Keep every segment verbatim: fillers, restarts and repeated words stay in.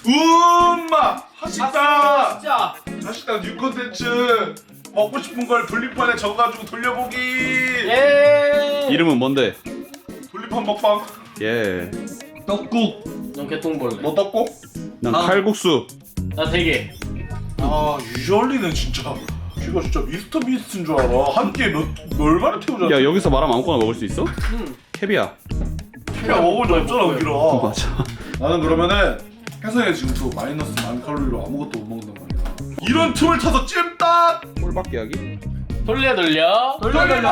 음마 하식당 진짜. 하식당 뉴 콘텐츠 먹고 싶은 걸 분리판에 적어가지고 돌려보기. 예. 이름은 뭔데? 분리판 먹방. 예. 떡국. 넌 개똥벌레. 너 떡국? 난 아. 칼국수. 나 되게. 아 유저리는 진짜 이거 진짜 미스터 비스트인 줄 알아. 한 끼에 몇 얼마나 태우잖아. 야 여기서 말하면 아무거나 먹을 수 있어? 응. 캡이야. 야 먹을 줄 없잖아 우리라. 맞아. 나는 그러면은 혜성이가 지금 또 마이너스 만 칼로리로 아무것도 못 먹는단 말이야. 이런 틈을 타서 찜닭. 꼴밖에 하기? 돌려 돌려. 돌려 돌려.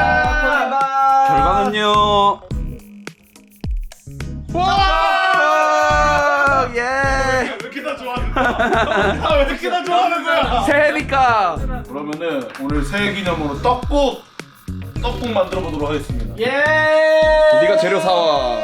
결과는요. 와! 예. 왜 이렇게 다 좋아하는 거야? 아, 왜 이렇게 다 좋아하는 거야? 새해니까. 그러면은 오늘 새해 기념으로 떡국 떡국 만들어 보도록 하겠습니다. 예. 네가 재료 사와.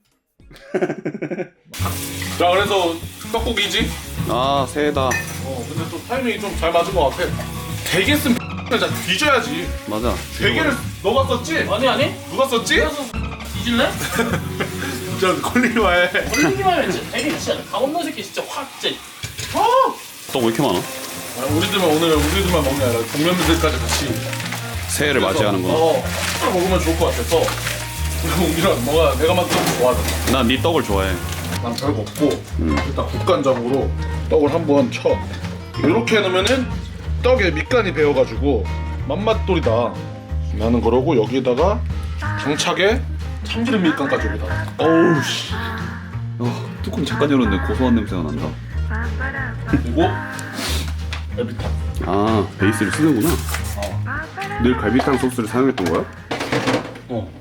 자 그래서 떡국이지? 아 새해다. 어 근데 또 타이밍이 좀 잘 맞은 것 같아. 대게 쓴 진짜 뒤져야지. 맞아. 대게를 너가 썼지? 아니 아니. 누가 썼지? 그래서 뒤질래? 진짜 걸리기만 해. 걸리기만 해. 진짜 되게 진짜 강원도 새끼 진짜 확 진짜. 어. 떡 왜 이렇게 많아? 아, 우리들만 오늘 우리들만 먹는 게 아니라 동료들까지 같이 새해를 맞이하는구나. 어, 술 먹으면 좋을 것 같아서. 그리고 우리랑 뭐가 내가 만든 거 좋아하잖아. 난 네 떡을 좋아해. 난 별거 없고 일단 국간장으로 떡을 한번 쳐. 이렇게 해놓으면은 떡에 밑간이 배어가지고 맛맛돌이다. 나는 그러고 여기에다가 장착에 참기름 밑간까지 여기다. 어우 씨. 어, 뚜껑 잠깐 열었는데 고소한 냄새가 난다. 그리고 갈비탕. 아 베이스를 쓰는구나. 어. 늘 갈비탕 소스를 사용했던 거야? 어.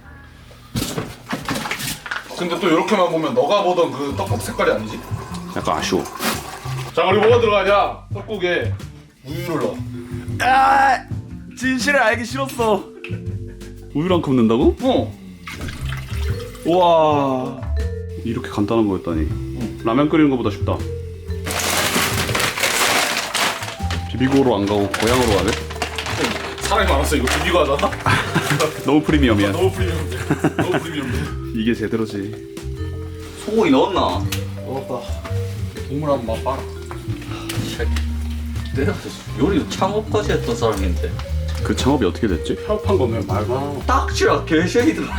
근데 또 이렇게만 보면 너가 보던 그 떡국 색깔이 아니지? 약간 아쉬워. 자 우리 뭐가 들어가냐? 떡국에 우유를 넣어. 아 진실을 알기 싫었어. 우유랑 컵 넣는다고? 어. 우와 이렇게 간단한 거였다니. 라면 끓이는 것보다 쉽다. 비비고로 안 가고 고향으로 가네? 사람이 많았어. 이거 비비고 하잖아. 너무 프리미엄이야. 너무 프리미엄돼. 너무 프리미엄돼. 이게 제대로지. 소고기 넣었나? 먹었다. 국물 한번 맛봐라. 내가 요리 창업까지 했던 사람인데 그 창업이 어떻게 됐지? 협한 거면 말고 딱지라 개쉐이더라.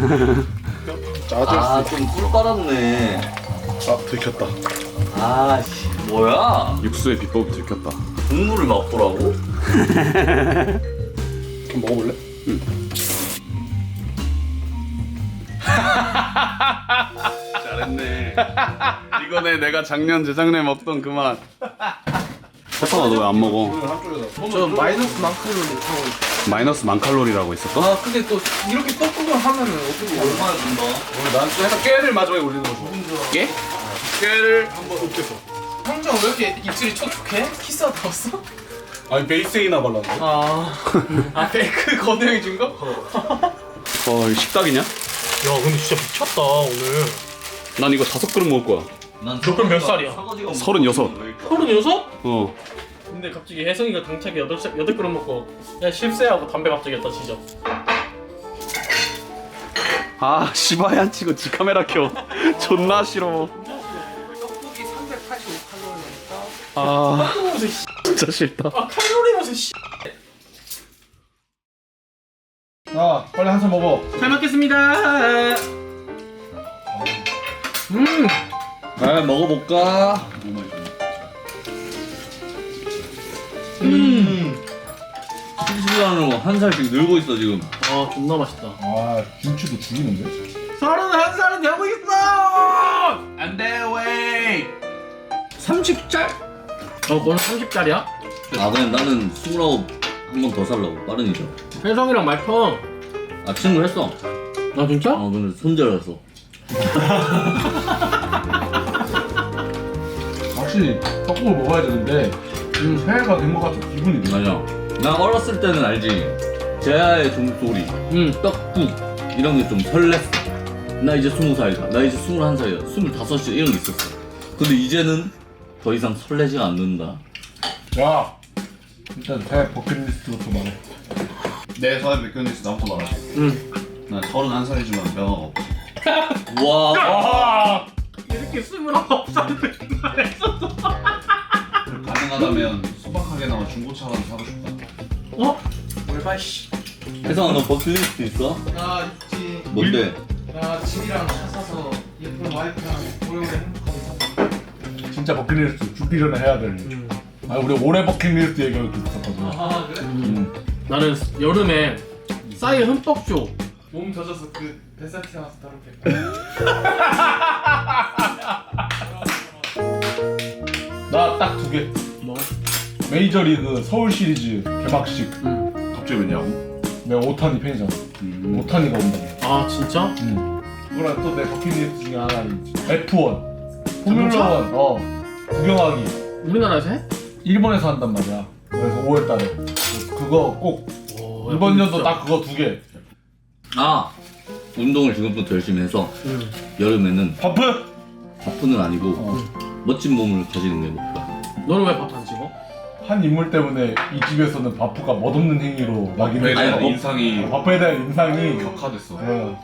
짜질 아좀 꿀 빨았네. 아 들켰다. 아씨 뭐야? 육수의 비법이 들켰다. 국물을 맛보라고? 한번 먹어볼래? 잘했네. 이거네 내가 작년 재작년에 먹던 그 맛. 페퍼가 너 왜 안 먹어? 오늘 한쪽에다. 저 마이너스 만큼으로 하고 있어. 마이너스 만 칼로리라고 있었어? 아 근데 또 이렇게 떡국을 하면은 어떻게 얼마나 준다? 오늘 난 또 약간 깨를 마지막에 올리는 거 좋아. 깨? 깨를 한번 으깨서. 형정 왜 이렇게 입술이 촉촉해? 키스하다 왔어? 아니 베이스에이나 발랐네. 아, 아 베이크 건우 형이 준 거? 어 이거 식탁이냐? 야 근데 진짜 미쳤다 오늘. 난 이거 다섯 그릇 먹을 거야. 난 너 그럼 몇 살이야? 설거지가 서른여섯. 서른여섯? 어. 근데 갑자기 혜성이가 당차게 여덟 살 여덟 그릇 먹고 야 실세하고 담배 갑자기 했다 진짜. 아 시바에 안 치고 지 카메라 켜. 존나 싫어. 떡국이 삼백팔십오 칼로리니까. 아 떡국에서 씨. 진짜 싫다. 아 칼로리면서 씨. 자 빨리 한 잔 먹어. 잘 먹겠습니다. 음. 아 먹어볼까? 음. 실수하는 거 한 살씩 늘고 있어 지금. 아 존나 맛있다. 아 김치도 죽이는데? 서른한 살은 되고 있어. 안돼 왜? 삼십 짤? 어 너는 삼십 짤이야? 아 그냥 나는 스물아홉 한 번 더 살라고 빠른이죠. 혜성이랑 말평. 아 친구 했어. 아 진짜? 어 근데 손절했어. 확실히 떡국을 먹어야 되는데 음. 새해가 된 것 같은 기분이 들. 맞아. 나 어렸을 때는 알지. 제아의 종소리, 응. 떡국 이런 게 좀 설렜어. 나 이제 스무 살이다. 나 이제 스물한 살이다. 스물다섯 살 이런 게 있었어. 근데 이제는 더 이상 설레지가 않는다. 야 일단 새해 버킷리스트부터 말해. 내 사회 백견리스트 나부터 말하자. 응. 난 서른한 살이지만 명함 없어. 와. 아! 이렇게 새끼 스물아홉 살인데 그걸 했었어. 가능하다면 소박하게나마 중고차라도 사고 싶다. 어? 뭘봐 씨. 혜성아 너 버킷리스트 있어? 나 있지. 뭔데? 나 집이랑 차 사서 예쁜 와이프랑 오래오래 행복하게 살고. 진짜 버킷리스트 죽기 전에 해야 될 일. 아 우리 올해 버킷리스트 얘기하기도 있었거든. 아 그래? 음. 나는 여름에 싸이 흠뻑 쇼. 몸 젖어서 그 뱃살 튀어나와서 더럽게. 나 딱 두 개. 뭐? 메이저리그 서울 시리즈 개막식. 응. 갑자기 왜냐고? 내가 오타니 팬이잖아. 음. 오타니가 온다. 아 진짜? 응. 그거랑 또 내 버킷리스트 중에 하나 있지. 에프 원. 포뮬러 원. 어. 구경하기. 우리나라에서 해? 일본에서 한단 말이야. 그래서 오월 달에. 그거 꼭 오, 이번 야, 연도 진짜. 딱 그거 두 개. 아 운동을 지금부터 열심히 해서 응. 여름에는 바프? 바프는 아니고 어. 멋진 몸을 가지는 게 목표야. 너는 왜 밥 안 찍어? 한 인물 때문에 이 집에서는 바프가 멋없는 행위로 바프에 낙인을 대한 찍어. 인상이 바프에 대한 인상이 격화됐어. 어.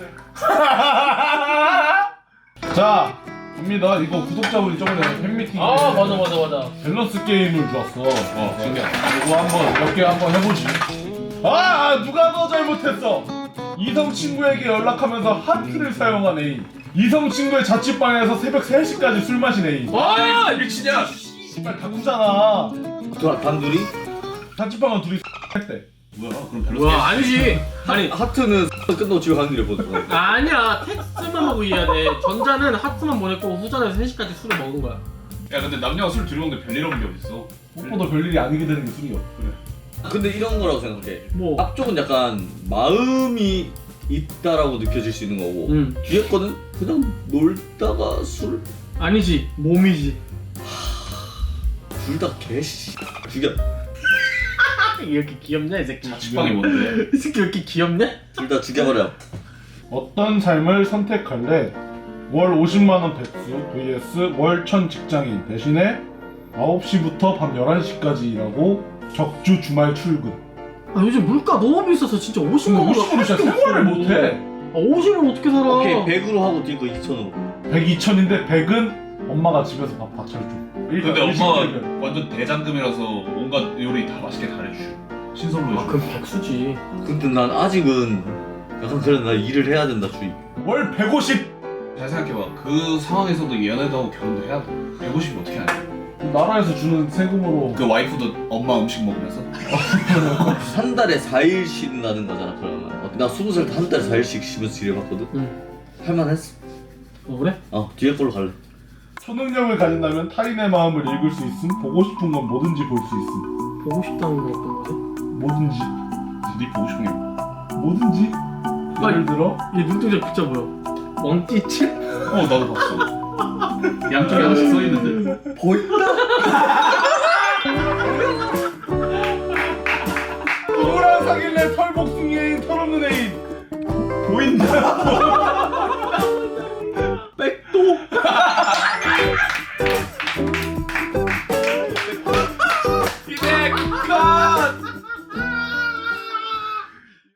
자, 갑니다. 이거 구독자분이 저번에 팬미팅 아 맞아 맞아 맞아. 밸런스 게임을 주었어. 어, 신기하다. 이거 한번 몇 개 한번 해보지. 아, 누가 더 잘못했어? 이성 친구에게 연락하면서 하트를 사용한 애인. 이성 친구의 자취방에서 새벽 세 시까지 술 마신 애인. 와 미치냐? 씨발 다구잖아. 단- 단둘이? 자취방은 둘이 했대. 뭐야? 그럼 밸런스 뭐야 아니지. 아니 하트는 끝나고 집에 가는 길에 보는 거야. 아니야 텍스트만 보고 이해해야 돼. 전자는 하트만 보냈고 후자는 세 시까지 술을 먹은 거야. 야 근데 남녀가 술 들여먹는데 별일 없는 게 어딨어? 무엇보다 별일이 아니게 되는 게 술이요. 근데 이런 거라고 생각해. 뭐? 앞쪽은 약간 마음이 있다라고 느껴질 수 있는 거고 응. 뒤에 거는 그냥 놀다가 술 아니지 몸이지. 둘 다 개씨 죽여. 이렇게 귀엽냐 이 새끼. 자취방이 뭔데? 이 새끼 왜 이렇게 귀엽냐? 둘 다 죽여버려. 어떤 삶을 선택할래? 월 오십만 원 백수 vs 월 천 직장인 대신에 아홉 시부터 밤 열한 시까지 일하고 격주 주말 출근. 아 요즘 물가 너무 비싸서 진짜 오십만 근데 원. 오십으로 진짜 생활을 못해. 아 오십을 어떻게 살아? 오케이 백으로 하고 뒤에 거 이천으로. 백, 이천인데 백은 엄마가 집에서 밥 밥 차려줘. 근데 엄마가 완전 대장금이라서 온갖 요리 다 맛있게 다 해주셔. 신선로 아 해줘. 그럼 백수지. 근데 난 아직은 약간 그래 나 일을 해야 된다 주의. 월 백오십. 잘 생각해봐. 그 상황에서도 연애도 하고 결혼도 해야 돼. 백오십이 어떻게 하냐? 나라에서 주는 세금으로 그 와이프도 엄마 음식 먹으면서? 한 달에 사 일 쉰다는 거잖아 그러면. 어, 나 스무 살 때 한 달에 사 일씩 쉬면서 일해봤거든. 응. 할만했어. 어 그래? 어 뒤에 걸로 갈래. 초능력을 가진다면 타인의 마음을 읽을 수 있음. 보고 싶은 건 뭐든지 볼 수 있음. 보고 싶다는 건 어떤 거지? 뭐든지. 네 보고 싶은 게 뭐야? 뭐든지. 예를 들어 이 눈동자 진짜 보여. 왕띠칠? 어 나도 봤어. 양쪽에 하나씩 써있는데? 보인다.